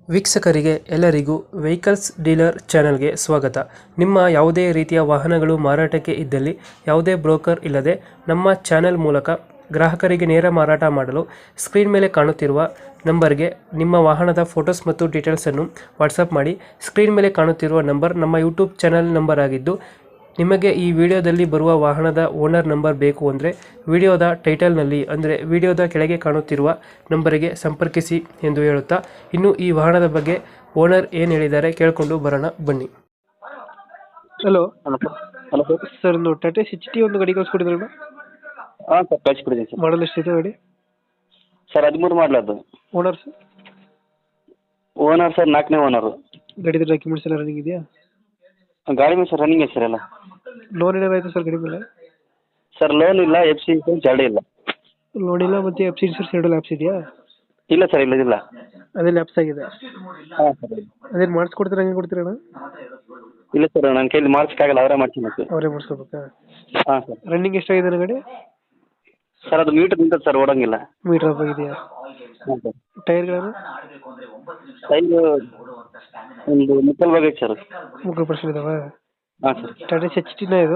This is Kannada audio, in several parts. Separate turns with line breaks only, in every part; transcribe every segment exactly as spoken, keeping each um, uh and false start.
ವೀಕ್ಷಕರಿಗೆ ಎಲ್ಲರಿಗೂ ವೆಹಿಕಲ್ಸ್ ಡೀಲರ್ ಚಾನೆಲ್ಗೆ ಸ್ವಾಗತ. ನಿಮ್ಮ ಯಾವುದೇ ರೀತಿಯ ವಾಹನಗಳು ಮಾರಾಟಕ್ಕೆ ಇದ್ದಲ್ಲಿ ಯಾವುದೇ ಬ್ರೋಕರ್ ಇಲ್ಲದೆ ನಮ್ಮ ಚಾನೆಲ್ ಮೂಲಕ ಗ್ರಾಹಕರಿಗೆ ನೇರ ಮಾರಾಟ ಮಾಡಲು ಸ್ಕ್ರೀನ್ ಮೇಲೆ ಕಾಣುತ್ತಿರುವ ನಂಬರ್ಗೆ ನಿಮ್ಮ ವಾಹನದ ಫೋಟೋಸ್ ಮತ್ತು ಡೀಟೇಲ್ಸನ್ನು ವಾಟ್ಸಪ್ ಮಾಡಿ. ಸ್ಕ್ರೀನ್ ಮೇಲೆ ಕಾಣುತ್ತಿರುವ ನಂಬರ್ ನಮ್ಮ ಯೂಟ್ಯೂಬ್ ಚಾನೆಲ್ ನಂಬರ್ ಆಗಿದ್ದು, ನಿಮಗೆ ಈ ವಿಡಿಯೋದಲ್ಲಿ ಬರುವ ವಾಹನದ ಓನರ್ ನಂಬರ್ ಬೇಕು ಅಂದರೆ ವಿಡಿಯೋದ ಟೈಟಲ್ನಲ್ಲಿ ಅಂದರೆ ವಿಡಿಯೋದ ಕೆಳಗೆ ಕಾಣುತ್ತಿರುವ ನಂಬರಿಗೆ ಸಂಪರ್ಕಿಸಿ ಎಂದು ಹೇಳುತ್ತಾ, ಇನ್ನು ಈ ವಾಹನದ ಬಗ್ಗೆ ಓನರ್ ಏನು ಹೇಳಿದ್ದಾರೆ ಕೇಳಿಕೊಂಡು ಬರೋಣ ಬನ್ನಿ. Hello
hello hello sir.
Sir, ಒಂದು ಟಾಟಾ ಎಚ್ ಟಿ ಒಂದು ಗಾಡಿ ಕಳಿಸ್ಕೊಡಿದ್ರಲ್ಲ,
ಹಾಂ ಸರ್, ಕಳಿಸ್ಕೊಡಿದ್ದೀನಿ ಸರ್.
ಮಾಡಲ್ ಎಷ್ಟಿದೆ ಗಾಡಿ?
ಸರ್ ಹದಿಮೂರು ಮಾಡಲ ಅದು.
Owner sir?
ಓನರ್ ಸರ್ ನಾಲ್ಕನೇ ಓನರು.
ಗಾಡಿದ ಡಾಕ್ಯುಮೆಂಟ್ಸ್ ಎಲ್ಲ ರನ್ನಿಂಗ್ ಇದೆಯಾ?
ಗಾಡಿ ಮೇಲೆ ಸರ್ ರನ್ನಿಂಗ್ ಇದೆ ಸರ್ ಎಲ್ಲ.
ಲೋನ್ ಏನಾದ್ರು ಆಯ್ತು ಸರ್ ಗಾಡಿ ಮೇಲೆ?
ಸರ್ ಲೋನ್ ಇಲ್ಲ, ಎಫ್ ಸಿ ಇನ್ಸೂರೆನ್ಸ್ ಎರಡೂ ಇಲ್ಲ.
ಲೋನ್ ಇಲ್ಲ ಮತ್ತು ಎಫ್ ಸಿ ಇನ್ಸೂರೆನ್ಸ್ ಎರಡು ಲ್ಯಾಪ್ಸ್ ಇದೆಯಾ?
ಇಲ್ಲ ಸರ್, ಇಲ್ಲದಿಲ್ಲ.
ಅದೇ ಲ್ಯಾಪ್ಸ್ ಆಗಿದೆ.
ಹಾಂ ಸರ್.
ಅದೇನು ಮಾಡಿಸ್ಕೊಡ್ತೀರಾ, ಹಂಗೆ ಕೊಡ್ತೀರಣ್ಣ?
ಇಲ್ಲ ಸರ್, ನನ್ನ ಕೈಲಿ ಮಾಡ್ಸೋಕ್ಕಾಗಲ್ಲ, ಅವರೇ ಮಾಡ್ತೀನಿ.
ಅವರೇ ಮಾಡಿಸ್ಕೋಬೇಕಾ?
ಹಾಂ ಸರ್.
ರನ್ನಿಂಗ್ ಎಷ್ಟಾಗಿದೆ ಗಾಡಿ?
ಸರ್ ಅದು ಮೀಟರ್ ನಿಂತದೆ ಸರ್, ಓಡೋಂಗಿಲ್ಲ.
ಮೀಟರ್ ಆಫ್ ಆಗಿದೆಯಾ?
ಹಾಂ ಸರ್.
ಟೈರ್ಗಳನ್ನು?
ಟೈರು ಒಂದು ಮುಕ್ಕಲ್ ಬಗ್ಗೆ ಸರ್.
ಮುಕ್ಕಳು ಪರ್ಸೆಂಟ್ ಇದಾವೆ?
ಹಾಂ ಸರ್.
ಟಾಟಾ ಎಚ್ ಟಿನ ಇದು?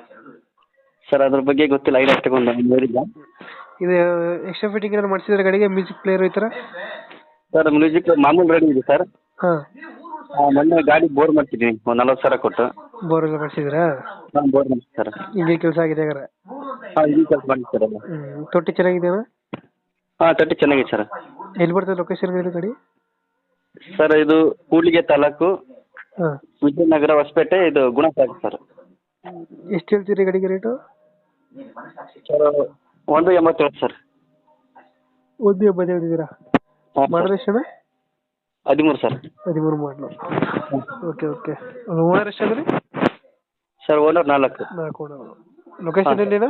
ಸರ್ ಅದ್ರ ಬಗ್ಗೆ ಗೊತ್ತಿಲ್ಲ, ಐಡಿಯಾ ತಗೊಂಡು ನಾನು ನೋಡಿಲ್ಲ.
ಇದು ಎಕ್ಸ್ಟ್ರಾ ಫಿಟ್ಟಿಂಗ್ ಏನಾದ್ರು ಮಾಡಿಸಿದ್ರೆ ಗಾಡಿಗೆ, ಮ್ಯೂಸಿಕ್ ಪ್ಲೇಯರ್ ಈ ಥರ?
ಸರ್ ಮ್ಯೂಸಿಕ್ ಮಾಮೂಲು ರೆಡಿ ಇದೆ ಸರ್.
ಹಾಂ.
ಮೊನ್ನೆ ಗಾಡಿ ಬೋರ್ ಮಾಡ್ತಿದ್ದೀನಿ ಒಂದು ನಲ್ವತ್ತು ಸಾವಿರ ಕೊಟ್ಟು.
ಬೋರ್ ಎಲ್ಲ ಮಾಡಿಸಿದ್ರಾ?
ಹಾಂ, ಬೋರ್ ಮಾಡಿ ಸರ್.
ಹಿಂಗೆ ಕೆಲಸ ಆಗಿದೆ ಹಾಗಾದ್ರೆ?
ಹಾಂ, ಈ ಕೆಲಸ ಮಾಡಿ ಸರ್ ಎಲ್ಲ.
ಹ್ಞೂ. ತೊಟ್ಟಿ ಚೆನ್ನಾಗಿದೆಯಾ?
ಹಾಂ, ತಟ್ಟಿ ಚೆನ್ನಾಗಿದೆ ಸರ್.
ಎಲ್ಲಿ ಬರ್ತದೆ ಲೊಕೇಶನ್ ಗಾಡಿ ಗಾಡಿ?
ಸರ್ ಇದು ಕೂಡ್ಲಿಗೆ ತಾಲೂಕು,
ಹಾಂ,
ವಿಜಯನಗರ, ಹೊಸಪೇಟೆ, ಇದು ಗುಣಸಾಗರ ಸರ್.
ಎಷ್ಟು ಹೇಳ್ತೀರಿ ಗಾಡಿಗೆ ರೇಟು?
ಸರ್ ಒಂದು ಎಂಬತ್ತೇಳು ಸರ್.
ಒಂದು ಎಂಬತ್ತು ಹೇಳ್ತಿದ್ದೀರಾ?
ಹಾಂ
ಮಾಡಲ್ ಎಷ್ಟು?
ಹದಿಮೂರು ಸರ್.
ಹದಿಮೂರು ಮಾಡಲು. Okay okay. ಓನರ್ ಎಷ್ಟು ಅಂದರೆ?
ಸರ್ ಓನರ್ ನಾಲ್ಕು.
ನಾಲ್ಕು ಓನರ್. ಲೊಕೇಶನ್ ಎಲ್ಲಿನ?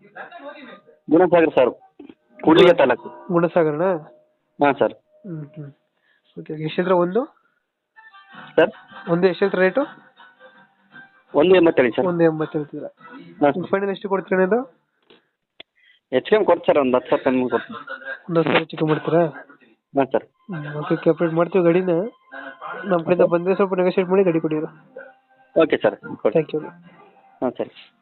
ಗುಣಸಾಗರ ಸರ್, ಕೂಡ್ಲಿಗೆ ತಾಲೂಕು.
ಗುಣಸಾಗರನ? ಹಾಂ
ಸರ್.
ಹ್ಞೂ ಹ್ಞೂ. ಓಕೆ. ಎಷ್ಟು ಹೇಳ್ತೀರಾ ಒಂದು?
ಸರ್
ಒಂದು ಎಷ್ಟು ಹೇಳ್ತೀರಾ ರೇಟು?
ಒಂದು ಎಂಬತ್ತೇಳು ಸರ್.
ಒಂದು ಎಂಬತ್ತು ಹೇಳ್ತಿದ್ದೀರಾ?
ಹಾಂ.
ಫೈನಲ್ ಎಷ್ಟು ಕೊಡ್ತೀರಾ ಇದು?
ಹೆಚ್ಚು ಕಮ್ಮಿ ಕೊಡ್ತು ಸರ್, ಒಂದು ಹತ್ತು ಸಾವಿರ ಕಮ್ಮಿ ಕೊಡ್ತೀನಿ.
ಒಂದು ಹತ್ತು ಸಾವಿರ ಚಿಕ್ಕ ಮಾಡ್ತೀರಾ?
ಹಾಂ ಸರ್.
ಓಕೆ, ಕಂಪ್ಲೀಟ್ ಮಾಡ್ತೀವಿ ಗಾಡಿನ. ನಮ್ಮ ಕಡೆಯಿಂದ ಬಂದರೆ ಸ್ವಲ್ಪ ನೆಗೋಷಿಯೇಟ್ ಮಾಡಿ ಗಾಡಿ ಕೊಡಿ.
ಓಕೆ ಸರ್, ಕೊಡಿ.
Thank you.
ಹಾಂ ಸರಿ.